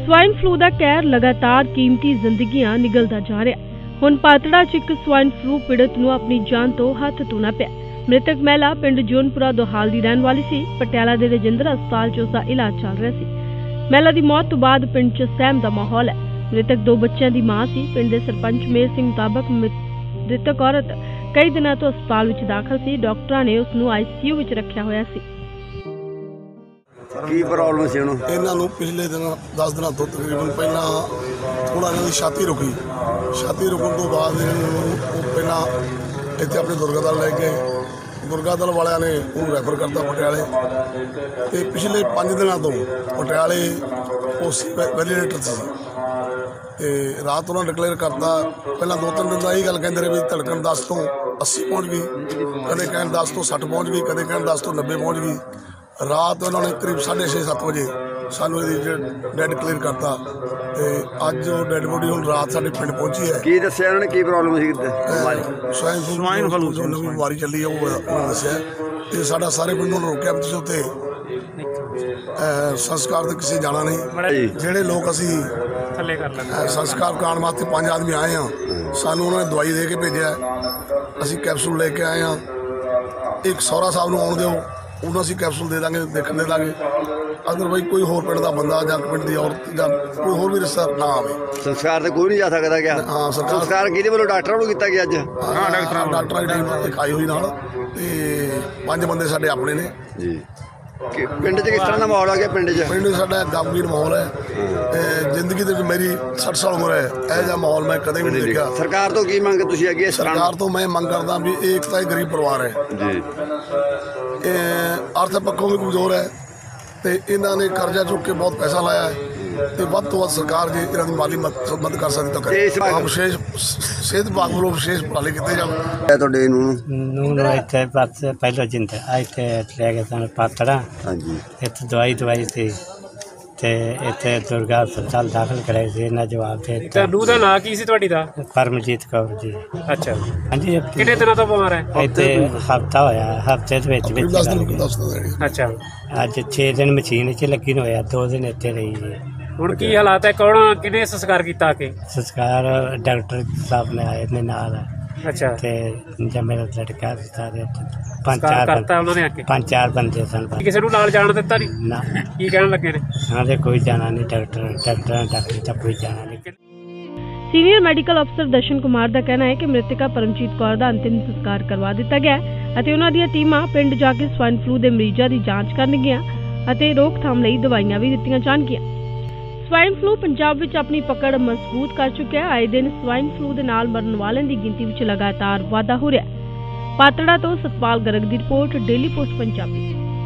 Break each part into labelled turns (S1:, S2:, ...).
S1: Swine flu ਦਾ ਕਹਿਰ ਲਗਾਤਾਰ ਕੀਮਤੀ ਜ਼ਿੰਦਗੀਆਂ ਨਿਗਲਦਾ ਜਾ ਰਿਹਾ। ਹੁਣ ਪਾਤੜਾ 'ਚ ਇੱਕ ਸਵਾਈਨ ਫਲੂ ਪੀੜਤ ਨੂੰ ਆਪਣੀ ਜਾਨ ਤੋਂ ਹੱਥ ਧੋਣਾ ਪਿਆ। ਮ੍ਰਿਤਕ ਮਹਿਲਾ ਪਿੰਡ ਜੋਨਪੁਰਾ ਦੋਹਾਲ ਦੀ ਰਹਿਣ ਵਾਲੀ ਸੀ। ਪਟਿਆਲਾ ਦੇ ਰਜਿੰਦਰ ਹਸਪਤਾਲ 'ਚ ਉਸਦਾ ਇਲਾਜ ਚੱਲ ਰਿਹਾ ਸੀ। ਮਹਿਲਾ ਦੀ ਮੌਤ ਤੋਂ ਬਾਅਦ ਪਿੰਡ 'ਚ ਸਹਿਮ ਦਾ ਮਾਹੌਲ ਹੈ। ਮ੍ਰਿਤਕ 2 ਬੱਚਿਆਂ ਦੀ ਮਾਂ ਸੀ। ਪਿੰਡ ਦੇ ਸਰਪੰਚ ਮੇਰ ਸਿੰਘ ਮੁਤਾਬਕ ਮ੍ਰਿਤਕ ਔਰਤ ਕਈ ਦਿਨਾਂ ਤੋਂ ਹਸਪਤਾਲ ਵਿੱਚ ਦਾਖਲ ਸੀ। ਡਾਕਟਰਾਂ ਨੇ ਉਸ ਨੂੰ ICU ਵਿੱਚ ਰੱਖਿਆ ਹੋਇਆ ਸੀ।
S2: ਕੀ ਪ੍ਰੋਬਲਮ ਸੀ ਉਹਨੂੰ?
S3: ਇਹਨਾਂ ਨੂੰ ਪਿਛਲੇ ਦਿਨ 10 ਦਿਨਾਂ ਤੋਂ ਤਕਰੀਬਨ ਪਹਿਲਾਂ ਥੋੜਾ ਇਹਨਾਂ ਦੀ ਛਾਤੀ ਰੁਕੀ। ਛਾਤੀ ਰੁਕਣ ਤੋਂ ਬਾਅਦ ਉਹ ਪਹਿਲਾਂ ਇੱਥੇ ਆਪਣੇ ਦੁਰਗਾਦਲ ਲੈ ਕੇ ਦੁਰਗਾਦਲ ਵਾਲਿਆਂ ਨੇ ਉਹਨੂੰ ਰੈਫਰ ਕਰਤਾ ਪਟਿਆਲੇ। ਤੇ ਪਿਛਲੇ 5 ਦਿਨਾਂ ਤੋਂ ਪਟਿਆਲੇ ਉਸ ਵੈਲੀਡੇਟਰ ਸੀ ਤੇ ਰਾਤ ਉਹਨਾਂ ਡਿਕਲੇਅਰ ਕਰਤਾ। ਪਹਿਲਾਂ 2-3 ਦਿਨ ਦਾ ਇਹ ਗੱਲ ਕਹਿੰਦੇ ਰਹੇ ਵੀ ਧੜਕਣ 10 ਤੋਂ 80 ਪਹੁੰਚ ਗਈ, ਕਦੇ ਕਹਿਣ 10 ਤੋਂ 60 ਪਹੁੰਚ ਗਈ, ਕਦੇ ਕਹਿਣ 10 ਤੋਂ 90 ਪਹੁੰਚ ਗਈ। ਰਾਤ ਉਹਨਾਂ ਨੇ ਕਰੀਬ 6:30-7 ਵਜੇ ਸਾਨੂੰ ਇਹਦੀ ਡੈਡ ਕਲੀਅਰ ਕਰਤਾ ਤੇ ਅੱਜ ਉਹ ਡੈਡ ਬੋਡੀ ਹੁਣ ਰਾਤ ਸਾਡੇ ਪਿੰਡ ਪਹੁੰਚੀ ਹੈ।
S2: ਕੀ ਦੱਸਿਆ ਉਹਨਾਂ ਨੇ, ਕੀ ਪ੍ਰੋਬਲਮ ਸੀ?
S3: ਸਵਾਈਨ ਫਲੂ ਜੋ ਨਵੀਂ ਬਿਮਾਰੀ ਚੱਲੀ ਹੈ ਉਹ ਉਹਨਾਂ ਦੱਸਿਆ। ਤੇ ਸਾਡਾ ਸਾਰੇ ਪਿੰਡ ਨੂੰ ਰੋਕਿਆ ਵੀ ਤੁਸੀਂ ਉੱਥੇ ਸੰਸਕਾਰ ਤੇ ਕਿਸੇ ਜਾਣਾ ਨਹੀਂ। ਜਿਹੜੇ ਲੋਕ ਅਸੀਂ ਸੰਸਕਾਰ ਕਰਾਉਣ ਵਾਸਤੇ 5 ਆਦਮੀ ਆਏ ਹਾਂ, ਸਾਨੂੰ ਉਹਨਾਂ ਨੇ ਦਵਾਈ ਦੇ ਕੇ ਭੇਜਿਆ। ਅਸੀਂ ਕੈਪਸੂਲ ਲੈ ਕੇ ਆਏ ਹਾਂ। ਇੱਕ ਸਹੁਰਾ ਸਾਹਿਬ ਨੂੰ ਆਉਣ ਦਿਓ, ਉਹਨੂੰ ਅਸੀਂ ਕੈਪਸੂਲ ਦੇ ਦਾਂਗੇ, ਦੇਖਣ ਦੇ ਦਾਂਗੇ। ਅਦਰਵਾਈਜ਼ ਕੋਈ ਹੋਰ ਪਿੰਡ ਦਾ ਬੰਦਾ ਜਾਂ ਪਿੰਡ ਦੀ ਔਰਤ ਜਾਂ ਕੋਈ ਹੋਰ ਵੀ ਰਿਸ਼ਤੇਦਾਰ ਨਾ ਆਵੇ।
S2: ਸੰਸਕਾਰ ਤੇ ਕੋਈ ਨਹੀਂ ਜਾ ਸਕਦਾ ਗਿਆ?
S3: ਹਾਂ,
S2: ਸੰਸਕਾਰ ਕਿਹਦੇ ਵੱਲੋਂ? ਡਾਕਟਰਾਂ ਨੂੰ ਕੀਤਾ ਗਿਆ ਅੱਜ?
S3: ਹਾਂ, ਡਾਕਟਰਾਂ ਦੀ ਟੀਮ ਇੱਕ ਆਈ ਹੋਈ ਨਾਲ ਤੇ 5 ਬੰਦੇ ਸਾਡੇ ਆਪਣੇ ਨੇ
S2: ਜੀ। ਪਿੰਡ 'ਚ ਕਿਸ ਤਰ੍ਹਾਂ ਦਾ ਮਾਹੌਲ ਆ ਗਿਆ? ਪਿੰਡ
S3: ਸਾਡਾ ਗਮਗੀਨ ਮਾਹੌਲ ਹੈ। ਜ਼ਿੰਦਗੀ ਦੇ ਵਿੱਚ ਮੇਰੀ 60 ਸਾਲ ਉਮਰ ਹੈ, ਇਹੋ ਜਿਹਾ ਮਾਹੌਲ ਮੈਂ ਕਦੇ ਵੀ ਨਹੀਂ ਦੇਖਿਆ।
S2: ਸਰਕਾਰ ਤੋਂ ਕੀ ਮੰਗ ਤੁਸੀਂ ਅੱਗੇ?
S3: ਸਰਕਾਰ ਤੋਂ ਮੈਂ ਮੰਗ ਕਰਦਾ ਵੀ ਇਹ ਇੱਕ ਤਾਂ ਗਰੀਬ ਪਰਿਵਾਰ ਹੈ
S2: ਜੀ,
S3: ਅਰਥ ਪੱਖੋਂ ਵੀ ਕਮਜ਼ੋਰ ਹੈ ਤੇ ਇਹਨਾਂ ਨੇ ਕਰਜ਼ਾ ਚੁੱਕ ਕੇ ਬਹੁਤ ਪੈਸਾ ਲਾਇਆ ਹੈ ਤੇ ਵੱਧ ਤੋਂ ਵੱਧ ਸਰਕਾਰ ਜੇ ਇਹਨਾਂ ਦੀ ਮਾਲੀ ਮਦਦ ਕਰ ਸਕਦੀ ਤਾਂ ਕਰੇ। ਵਿਸ਼ੇਸ਼ ਸਿਹਤ ਵਿਭਾਗ ਵੱਲੋਂ ਵਿਸ਼ੇਸ਼ ਉਪਰਾਲੇ ਕੀਤੇ ਜਾਣ।
S2: ਤੁਹਾਡੇ ਨੂੰ
S4: ਇੱਥੇ ਬਸ ਪਹਿਲਾਂ ਜਿੰਦਾ ਇੱਥੇ ਲੈ ਕੇ ਸਾਨੂੰ ਪਾਤੜਾ।
S2: ਹਾਂਜੀ,
S4: ਇੱਥੇ ਦਵਾਈ ਸੀ ਤੇ ਇੱਥੇ ਦੁਰਗਾ ਹਸਪਤਾਲ ਦਾਖਲ ਕਰਾਏ ਸੀ। ਇਹਨਾਂ ਜਵਾਬ ਦੇ ਦਿੱਤਾ।
S5: ਨੂੰਹ ਦਾ ਨਾਂ ਕੀ ਸੀ ਤੁਹਾਡੀ ਦਾ?
S4: ਪਰਮਜੀਤ ਕੌਰ ਜੀ।
S5: ਅੱਛਾ
S4: ਹਾਂਜੀ।
S5: ਕਿੰਨੇ ਦਿਨਾਂ ਤੋਂ ਬਿਮਾਰ ਹੈ?
S4: ਇੱਥੇ ਹਫ਼ਤਾ ਹੋਇਆ, ਹਫ਼ਤੇ ਦੇ ਵਿੱਚ
S5: ਅੱਛਾ,
S4: ਅੱਜ 6 ਦਿਨ ਮਸ਼ੀਨ 'ਚ ਲੱਗੀ ਨੂੰ ਹੋਇਆ, 2 ਦਿਨ ਇੱਥੇ ਰਹੀ ਜੀ।
S5: ਹੁਣ ਕੀ ਹਾਲਾਤ ਹੈ? ਕੌਣ ਕਿਹਨੇ ਸੰਸਕਾਰ ਕੀਤਾ ਆ ਕੇ?
S4: ਸੰਸਕਾਰ ਡਾਕਟਰ ਸਾਹਿਬ ਨੇ ਆਏ ਨੇ ਨਾਲ।
S5: ਅੱਛਾ,
S4: ਤੇ ਜਦ ਮੇਰਾ ਲੜਕਾ ਸਾਰੇ
S5: ਕਰਤਾ ਉਹਨਾਂ ਨੇ ਆ ਕੇ?
S4: 5-4 ਬੰਦੇ ਸਨ।
S5: ਕਿਸੇ ਨੂੰ ਨਾਲ ਜਾਣ ਦਿੱਤਾ ਨਹੀਂ?
S4: ਨਾ।
S5: ਕੀ ਕਹਿਣ ਲੱਗੇ ਨੇ?
S4: ਹਾਂ ਤੇ ਕੋਈ ਜਾਣਾ ਨਹੀਂ, ਡਾਕਟਰਾਂ ਤਾਂ ਕੋਈ ਜਾਣਾ ਨਹੀਂ।
S1: ਸੀਨੀਅਰ ਮੈਡੀਕਲ ਅਫਸਰ ਦਰਸ਼ਨ ਕੁਮਾਰ ਦਾ ਕਹਿਣਾ ਹੈ ਕਿ ਮ੍ਰਿਤਕਾ ਪਰਮਜੀਤ ਕੌਰ ਦਾ ਅੰਤਿਮ ਸੰਸਕਾਰ ਕਰਵਾ ਦਿੱਤਾ ਗਿਆ ਅਤੇ ਉਹਨਾਂ ਦੀਆਂ ਟੀਮਾਂ ਪਿੰਡ ਜਾ ਕੇ ਸਵਾਈਨ ਫਲੂ ਦੇ ਮਰੀਜ਼ਾਂ ਦੀ ਜਾਂਚ ਕਰਨਗੀਆਂ ਅਤੇ ਰੋਕਥਾਮ ਲਈ ਦਵਾਈਆਂ ਵੀ ਦਿੱਤੀਆਂ ਜਾਣਗੀਆਂ। ਸਵਾਈਨ ਫਲੂ ਪੰਜਾਬ ਵਿੱਚ ਆਪਣੀ ਪਕੜ ਮਜ਼ਬੂਤ ਕਰ ਚੁੱਕਿਆ ਹੈ। ਆਏ ਦਿਨ ਸਵਾਈਨ ਫਲੂ ਦੇ ਨਾਲ ਮਰਨ ਵਾਲਿਆਂ ਦੀ ਗਿਣਤੀ ਵਿੱਚ ਲਗਾਤਾਰ ਵਾਧਾ ਹੋ ਰਿਹਾ ਹੈ। ਪਾਤੜਾ ਤੋਂ ਸਤਪਾਲ ਗਰਗ ਦੀ ਰਿਪੋਰਟ, ਡੇਲੀ ਪੋਸਟ ਪੰਜਾਬੀ।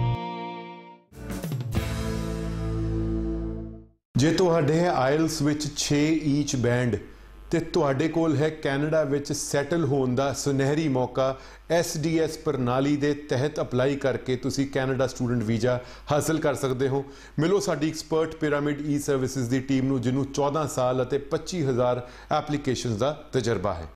S6: ਜੇ ਤੁਹਾਡੇ ਹੈ ਆਇਲਸ ਵਿੱਚ 6 ਈਚ ਬੈਂਡ ਤੇ ਤੁਹਾਡੇ ਕੋਲ ਹੈ ਕੈਨੇਡਾ ਵਿੱਚ ਸੈਟਲ ਹੋਣ ਦਾ ਸੁਨਹਿਰੀ ਮੌਕਾ, SDS ਪ੍ਰਣਾਲੀ ਦੇ ਤਹਿਤ ਅਪਲਾਈ ਕਰਕੇ ਤੁਸੀਂ ਕੈਨੇਡਾ ਸਟੂਡੈਂਟ ਵੀਜ਼ਾ ਹਾਸਲ ਕਰ ਸਕਦੇ ਹੋ। ਮਿਲੋ ਸਾਡੀ ਐਕਸਪਰਟ ਪਿਰਾਮਿਡ ਈ ਸਰਵਿਸਿਜ਼ ਦੀ ਟੀਮ ਨੂੰ, ਜਿਹਨੂੰ 14 ਸਾਲ ਅਤੇ 25,000 ਐਪਲੀਕੇਸ਼ਨਸ ਦਾ ਤਜਰਬਾ ਹੈ।